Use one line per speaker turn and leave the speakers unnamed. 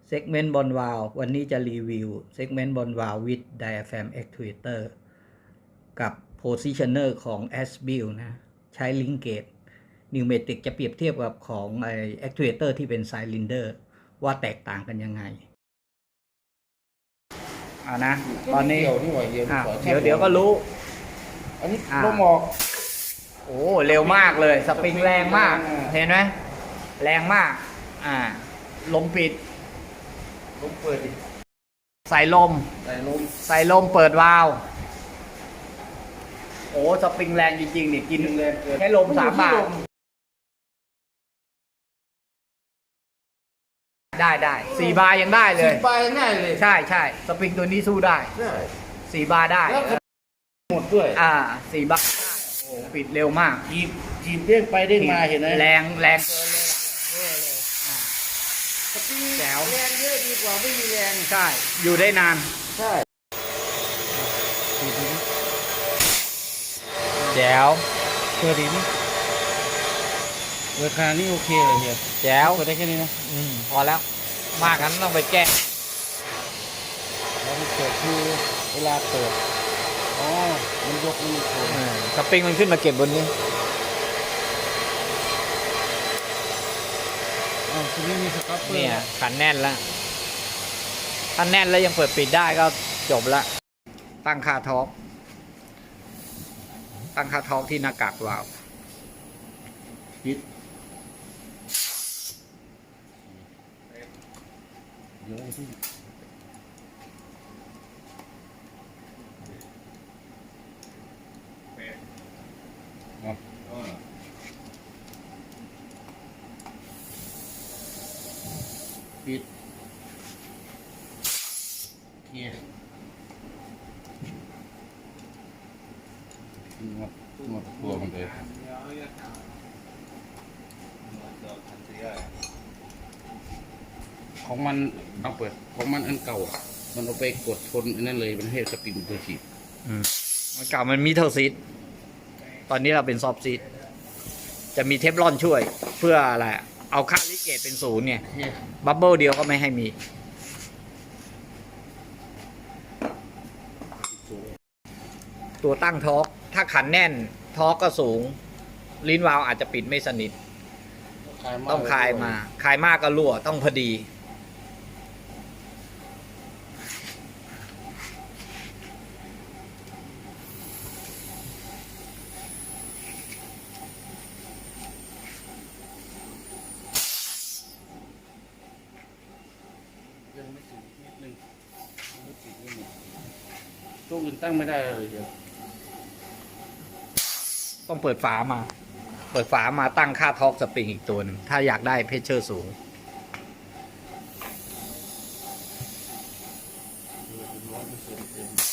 เซกเมนต์บอลวาลวันนี้จะรีวิวเซกเมนต์บอลวาล with diaphragm actuator กับ positioner ของ ASBIL นะใช้ลิงเกตนิวเมติกจะเปรียบเทียบกับของactuator ที่เป็นไซลินเดอร์ว่าแตกต่างกันยังไงนะตอนนี้เดี๋ยวก็รู้
อันนี้ลมออก
โอ้เร็วมากเลยสปริงแรงมากเห็นไหมแรงมากลมปิด
ลมเปิดดิ
ใส่ลมเปิดวาล์วโอ้สปริงแรงจริงๆนี่กินเลยแค่ลม3 บาทได้4 บาร์ยังได้เลย
4 บาร์ยังได้เลย
ใช่สปริงตัวนี้สู้ได้4 บาร์ได้
หมดด้วย
4 บาร์โอ้ปิดเร็วมาก
จีบเด้งไปเด้งมาเห็นไหม
แรงเกินเลย
สปริงแรงเยอะดีกว่าไม่มีแรง
ใช่อยู่ได้นาน
ใช่
แจ๋ว
เปิดดีไหมราคานี่โอเคเลยเฮีย
แจ๋ว
เปิดได้แค่นี้นะ
พอแล้วมากนั้นต้องไปแก้
แล้วมันเปิดคือเวลาเปิดมันยกมันโผล่
สปริงมันขึ้นมาเก็บบนนี้
ทีนี้มีสก๊อตเปอร์
เนี่ยขันแน่นแล้วถ้าแน่นแล้วยังเปิดปิดได้ก็จบละตั้งค่าท็อร์กที่หน้ากากวาล์ว
ปิดเดี๋ยวที่ปิดเคลียร์หมดตัวมันเลยของมันเอาเปิดของมันอันเก่ามันเอาไปกดทนอันนั้นเลยมันให้สปริงตัวฉีด
มันเก่ามันมีเทอร์ซีดตอนนี้เราเป็นซอฟต์ซีดจะมีเทฟลอนช่วยเพื่ออะไรเอาค่าลิเกตเป็น0เนี่ยบับเบิลเดียวก็ไม่ให้มีตัวตั้งทอร์กถ้าขันแน่นทอร์กก็สูงลิ้นวาล์วอาจจะปิดไม่สนิทต้องคลายมากก็รั่วต้องพอดี
ตู้อื่นตั้งไม่ได้เลยเดี๋ยว
ต้องเปิดฝามาตั้งค่าทอร์กสปริงอีกตัวหนึ่งถ้าอยากได้เพชเชอร์สูง
100%